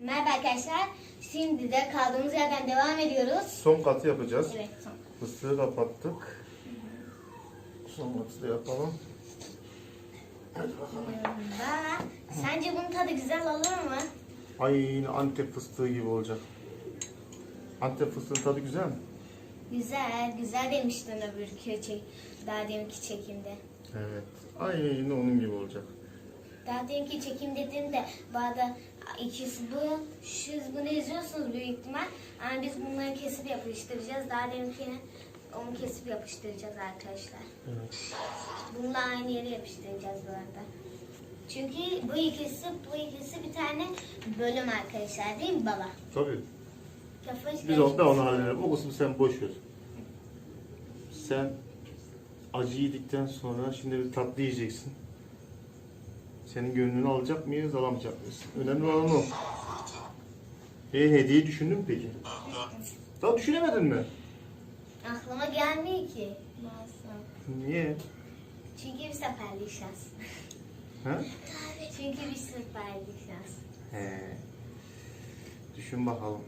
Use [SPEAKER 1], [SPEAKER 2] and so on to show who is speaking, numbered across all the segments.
[SPEAKER 1] Merhaba arkadaşlar. Şimdi de kaldığımız yerden devam ediyoruz.
[SPEAKER 2] Son katı yapacağız.
[SPEAKER 1] Evet, son.
[SPEAKER 2] Fıstığı kapattık. Son katı da yapalım. Hadi bakalım.
[SPEAKER 1] Sence bunun tadı güzel olur mu?
[SPEAKER 2] Aynı Antep fıstığı gibi olacak. Antep fıstığının tadı güzel mi?
[SPEAKER 1] Güzel, güzel demiştin daha deminki çekimde.
[SPEAKER 2] Evet. Aynı onun gibi olacak.
[SPEAKER 1] Daha deminki çekim dediğimde bazı ikisi bu, bunu izliyorsunuz büyük ihtimal. Ama biz bunları kesip yapıştıracağız. Daha deminkini onu kesip yapıştıracağız arkadaşlar.
[SPEAKER 2] Evet.
[SPEAKER 1] Bununla aynı yere yapıştıracağız bu arada. Çünkü bu ikisi bir tane bölüm arkadaşlar, değil mi baba?
[SPEAKER 2] Tabii.
[SPEAKER 1] Kafa hiç
[SPEAKER 2] Biz onu halledelim. O kısmı sen boş ver. Sen acı yedikten sonra şimdi bir tatlı yiyeceksin. Senin gönlünü alacak mıyız, alamayacak mıyız? Önemli olan o. Hediye düşündün mü peki? Daha düşünemedin mi?
[SPEAKER 1] Aklıma gelmiyor ki. Nasıl?
[SPEAKER 2] Niye?
[SPEAKER 1] Çünkü bir seferlik şans.
[SPEAKER 2] Ha?
[SPEAKER 1] Çünkü bir seferlik şans.
[SPEAKER 2] He. Düşün bakalım.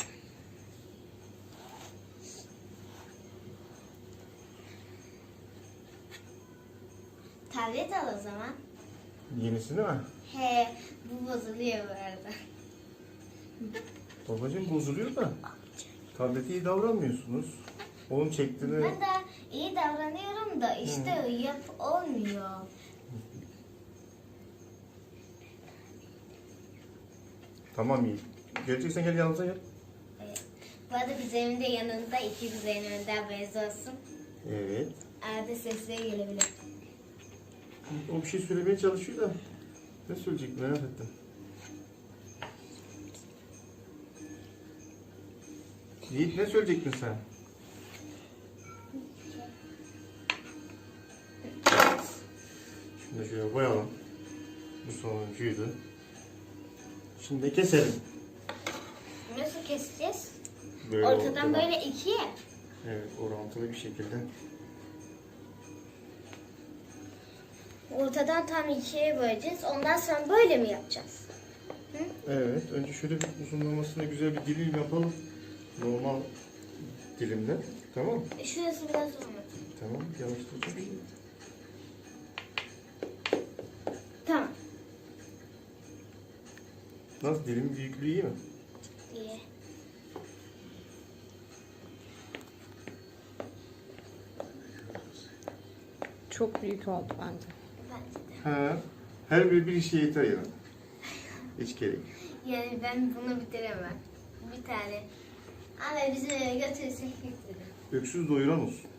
[SPEAKER 1] Tablet al o zaman.
[SPEAKER 2] Yenisi değil mi?
[SPEAKER 1] He, bu bozuluyor bu arada.
[SPEAKER 2] Babacığım bozuluyor da. Tablete iyi davranmıyorsunuz. Onun çektiğini...
[SPEAKER 1] Ben de iyi davranıyorum da işte olmuyor.
[SPEAKER 2] Tamam iyi. Geleceksen gel yanımıza gel.
[SPEAKER 1] Evet. Bu arada kuzenim de yanında, iki kuzenim önden haberiniz olsun.
[SPEAKER 2] Evet.
[SPEAKER 1] Arada sesleri gelebilir.
[SPEAKER 2] O bir şey söylemeye çalışıyor da. Ne söyleyecek merak ettim. Yiğit ne söyleyecektin sen? Şimdi şöyle koyalım. Bu sonuncuydu. Şimdi keselim.
[SPEAKER 1] Nasıl keseceğiz?
[SPEAKER 2] Böyle
[SPEAKER 1] Ortadan böyle ikiye.
[SPEAKER 2] Evet, orantılı bir şekilde.
[SPEAKER 1] Ortadan tam ikiye böleceğiz. Ondan sonra böyle mi yapacağız? Hı?
[SPEAKER 2] Evet, önce şöyle bir uzunlamasına güzel bir dilim yapalım. Normal dilimle. Tamam mı?
[SPEAKER 1] Şurası biraz uzun.
[SPEAKER 2] Tamam, yavaşlatacağım.
[SPEAKER 1] Tamam.
[SPEAKER 2] Nasıl, dilimin büyüklüğü iyi mi?
[SPEAKER 1] İyi.
[SPEAKER 3] Çok büyük oldu bence.
[SPEAKER 1] Bence de.
[SPEAKER 2] He. Her biri bir işe yeter yani. Hiç gerek yok.
[SPEAKER 1] Yani ben bunu bitiremem. Bir tane. Ama bizi götürürsek bitiririm.
[SPEAKER 2] Öksüz doyuran olsun.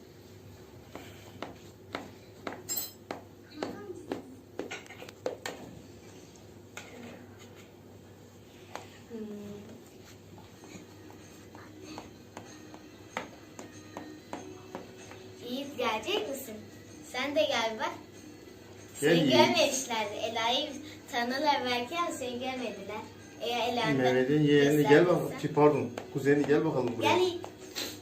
[SPEAKER 1] Yiğit gelecek misin? Sen de gel bak.
[SPEAKER 2] Gel
[SPEAKER 1] Seni
[SPEAKER 2] Yiğit.
[SPEAKER 1] görmemişlerdi. Ela'yı tanırlar belki ama seni görmediler. Eğer Ela'nın
[SPEAKER 2] Mehmet'in yeğeni gel bakalım. Pardon, kuzeni gel bakalım buraya.
[SPEAKER 1] Gel Yiğit.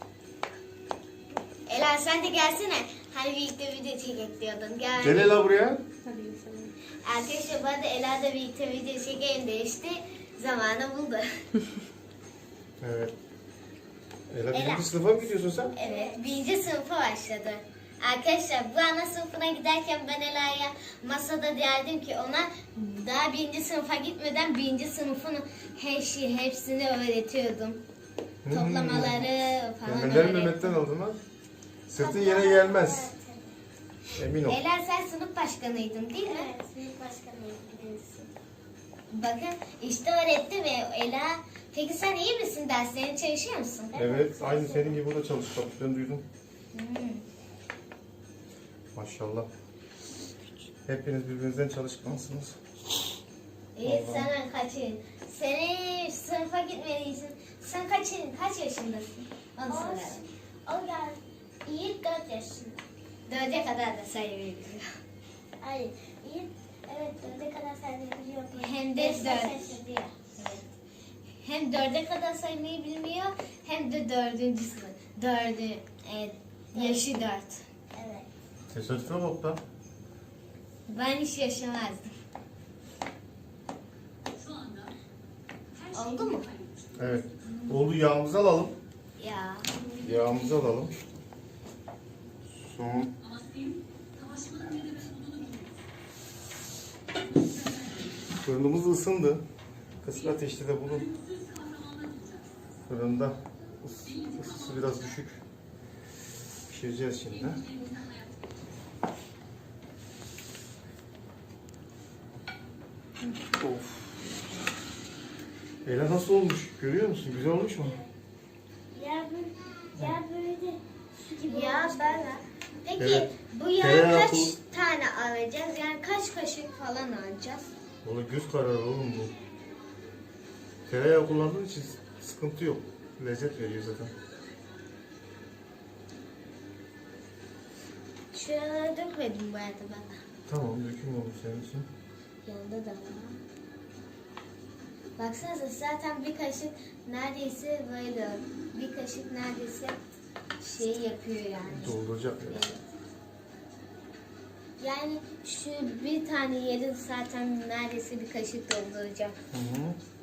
[SPEAKER 1] Ela sen de gelsene. Hani birlikte video çekek diyordun. Gel.
[SPEAKER 2] Gel Ela buraya.
[SPEAKER 3] Hadi geçelim.
[SPEAKER 1] Arkadaşlar bu arada Ela da birlikte video çekeyim de işte zamanı buldu.
[SPEAKER 2] Evet. Ela
[SPEAKER 1] Ela.
[SPEAKER 2] birinci sınıfa mı gidiyorsun sen?
[SPEAKER 1] Evet, birinci sınıfa başladı. Arkadaşlar bu ana sınıfına giderken ben Ela'ya masada derdim ki ona daha birinci sınıfa gitmeden birinci sınıfın hepsini öğretiyordum. Toplamaları falan
[SPEAKER 2] Mehmet'ten
[SPEAKER 1] öğrettim.
[SPEAKER 2] Mehmet'ten aldın ha. Sırtın yere gelmez. Emin ol.
[SPEAKER 1] Ela sen sınıf başkanıydın değil mi?
[SPEAKER 4] Evet, sınıf başkanıyım birincisi.
[SPEAKER 1] Bakın işte öğrettim ve Ela. Peki sen iyi misin? Derslerine çalışıyor musun?
[SPEAKER 2] Evet, aynı senin gibi o da çalıştı. Ben duydum.
[SPEAKER 1] Hmm.
[SPEAKER 2] Maşallah. Hepiniz birbirinizden çalışkansınız.
[SPEAKER 1] İyi sen kaçın? Seni sınıfa gitmelisin. Sen kaç yaşındasın? Onu soralım.
[SPEAKER 4] O gel, Yiğit 4 yaşında.
[SPEAKER 1] 4'e kadar da sayabiliyor.
[SPEAKER 4] Hayır, Yiğit evet 4'e kadar sayabiliyor.
[SPEAKER 1] Hem de
[SPEAKER 4] Beşte
[SPEAKER 1] 4.
[SPEAKER 4] şaşırıyor.
[SPEAKER 1] Evet. Hem 4'e kadar saymayı bilmiyor hem de 4. sınıf. 4'ü evet, yaşı 4.
[SPEAKER 4] Evet.
[SPEAKER 2] Tesadüfe bak da.
[SPEAKER 1] Ben hiç yaşamazdım. Oldu mu?
[SPEAKER 2] Evet. Oldu, yağımızı alalım.
[SPEAKER 1] Ya.
[SPEAKER 2] Yağımızı alalım. Son. Fırınımız ısındı. Kısık ateşte de bulun. Fırında ısısı biraz düşük. Pişireceğiz şimdi. Of. Ela nasıl olmuş? Görüyor musun? Güzel olmuş mu?
[SPEAKER 4] Ya böyle su gibi
[SPEAKER 1] Ya
[SPEAKER 4] olmuş.
[SPEAKER 1] ben. Peki
[SPEAKER 2] Evet.
[SPEAKER 1] bu yağı
[SPEAKER 2] Tereyağı
[SPEAKER 1] kaç
[SPEAKER 2] pul-
[SPEAKER 1] tane alacağız? Yani kaç kaşık falan alacağız?
[SPEAKER 2] Valla göz kararı oğlum bu. Tereyağı kullandığın için sıkıntı yok. Lezzet veriyor zaten.
[SPEAKER 1] Şuralara dökmedim bu arada ben.
[SPEAKER 2] Tamam, döküm olmuş senin için.
[SPEAKER 1] Yanında da var. Baksanıza zaten bir kaşık neredeyse böyle bir kaşık neredeyse şey yapıyor yani.
[SPEAKER 2] Dolduracak ya.
[SPEAKER 1] Evet. Yani şu bir tane yeri zaten neredeyse bir kaşık dolduracak.
[SPEAKER 2] Hı hı.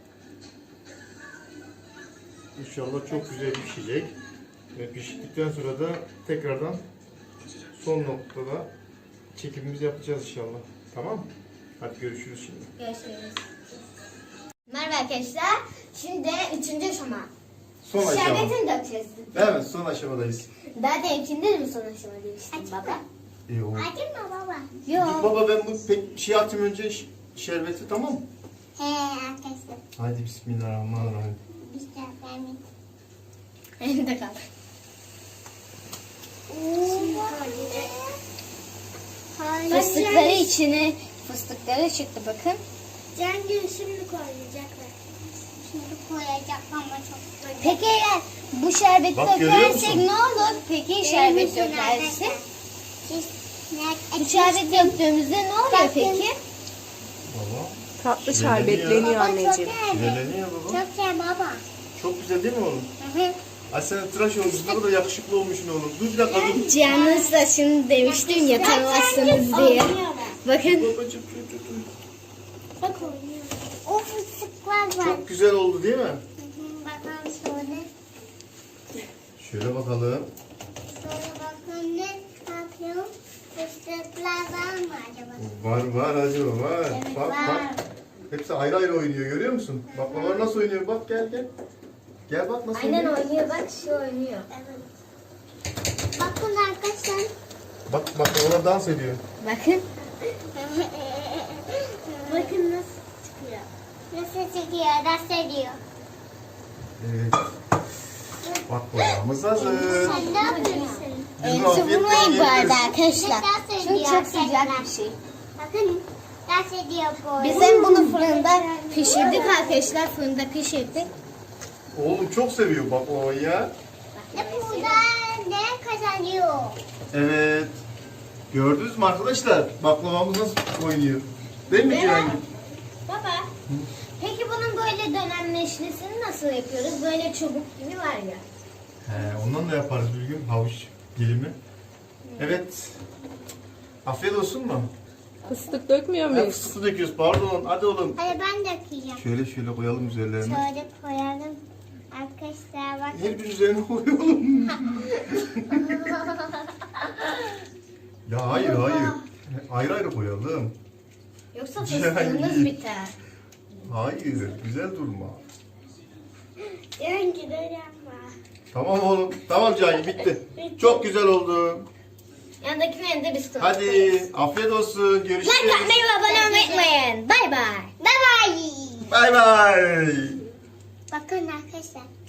[SPEAKER 2] İnşallah çok güzel pişecek. Ve piştikten sonra da tekrardan son noktada çekimimizi yapacağız inşallah. Tamam mı? Hadi görüşürüz şimdi.
[SPEAKER 1] Görüşürüz. Merhaba arkadaşlar. Şimdi 3. aşama.
[SPEAKER 2] Son aşama.
[SPEAKER 1] Şerbetini dökeceğiz.
[SPEAKER 2] Evet, son aşamadayız.
[SPEAKER 1] Daha denkinde de mi son aşama demiştim baba?
[SPEAKER 2] İyi oldu.
[SPEAKER 4] Acı mı baba?
[SPEAKER 2] Dur
[SPEAKER 1] Yok.
[SPEAKER 2] baba, ben bu şey atayım önce şerbeti, tamam mı?
[SPEAKER 4] He arkadaşlar.
[SPEAKER 2] Hadi bismillahirrahmanirrahim.
[SPEAKER 4] İşte ben
[SPEAKER 1] Elimde kaldı. Fıstıkları içine fıstıkları çıktı bakın.
[SPEAKER 4] Cengül şimdi koyacaklar. Şimdi koyacak ama çok güzel.
[SPEAKER 1] Peki eğer bu şerbeti
[SPEAKER 2] Bak, görüyor
[SPEAKER 1] dökersek
[SPEAKER 2] musun?
[SPEAKER 1] ne olur? Peki şerbet dökersek? Bu şerbet döktüğümüzde ne oluyor peki?
[SPEAKER 2] Baba.
[SPEAKER 3] Tatlı
[SPEAKER 2] Şireleniyor.
[SPEAKER 3] şerbetleniyor anneciğim.
[SPEAKER 2] Şireleniyor baba.
[SPEAKER 4] Çok güzel baba.
[SPEAKER 2] Çok güzel değil mi oğlum?
[SPEAKER 4] Hı hı.
[SPEAKER 2] Ay sen tıraş olmuşsun, ne kadar yakışıklı olmuşsun oğlum. Dur bir dakika dur.
[SPEAKER 1] Cihan'ın saçını demiştim ya tanımazsınız diye. Bakın.
[SPEAKER 2] Babacım dur.
[SPEAKER 4] Bak oynuyor. O fıstıklar var.
[SPEAKER 2] Çok güzel oldu değil mi?
[SPEAKER 4] Hı hı, bakalım sonra.
[SPEAKER 2] Şöyle bakalım.
[SPEAKER 4] Sonra bakalım ne yapıyorum? Fıstıklar var mı acaba?
[SPEAKER 2] Var acaba var.
[SPEAKER 4] Evet,
[SPEAKER 2] Bak
[SPEAKER 4] var.
[SPEAKER 2] bak. Hepsi ayrı ayrı oynuyor, görüyor musun? Baklavalar nasıl oynuyor? Bak gel. Gel bak nasıl
[SPEAKER 1] Aynen
[SPEAKER 2] oynuyor.
[SPEAKER 1] oynuyor bak şu oynuyor.
[SPEAKER 4] Evet. Bakın arkadaşlar.
[SPEAKER 2] Bak baklavalar dans ediyor.
[SPEAKER 1] Bakın.
[SPEAKER 4] Bakın nasıl çıkıyor. Nasıl çıkıyor? Nasıl ediyor?
[SPEAKER 2] Evet. Baklavamız hazır.
[SPEAKER 4] Sen ne yapıyorsun?
[SPEAKER 2] Biz
[SPEAKER 1] Elinizi
[SPEAKER 2] afiyetle
[SPEAKER 1] vurmayın bu arada
[SPEAKER 2] yiyoruz.
[SPEAKER 1] arkadaşlar. Çünkü çok sıcak bir şey.
[SPEAKER 4] Bakın nasıl ediyor bu?
[SPEAKER 1] Bizim bunu fırında pişirdik arkadaşlar. Fırında pişirdik.
[SPEAKER 2] Oğlum çok seviyor baklavayı ya.
[SPEAKER 4] Ne burada ne kazanıyor?
[SPEAKER 2] Evet. Gördünüz mü arkadaşlar? Baklavamız nasıl oynuyor? Değil mi Cihangir?
[SPEAKER 1] Baba. Peki bunun böyle dönemleşmesini nasıl yapıyoruz? Böyle çubuk gibi var ya.
[SPEAKER 2] Ondan da yaparız bir gün havuç dilimi. Evet. Afiyet olsun mu?
[SPEAKER 3] Fıstık dökmüyor
[SPEAKER 2] Hep
[SPEAKER 3] muyuz?
[SPEAKER 2] fıstık döküyoruz. Pardon. Hadi oğlum.
[SPEAKER 4] Hadi ben de kıyacağım.
[SPEAKER 2] Şöyle koyalım üzerlerine.
[SPEAKER 4] Şöyle koyalım. Arkadaşlar bakın.
[SPEAKER 2] Her bir üzerine koyalım. Ya hayır. Ayrı ayrı koyalım.
[SPEAKER 1] Yoksa
[SPEAKER 2] Cihangir.
[SPEAKER 1] fıstığınız biter.
[SPEAKER 2] Hayır. Güzel durma.
[SPEAKER 4] Önce de yapma.
[SPEAKER 2] Tamam oğlum. Tamam Cahil, bitti. Çok güzel oldu.
[SPEAKER 1] Yandakilerini de biz koyalım.
[SPEAKER 2] Hadi afiyet olsun. Görüşürüz.
[SPEAKER 1] Like atmayı ve abone olmayı unutmayın. Bay bay.
[SPEAKER 4] Bye bye.
[SPEAKER 2] Bay bay.
[SPEAKER 4] Bakın arkadaşlar.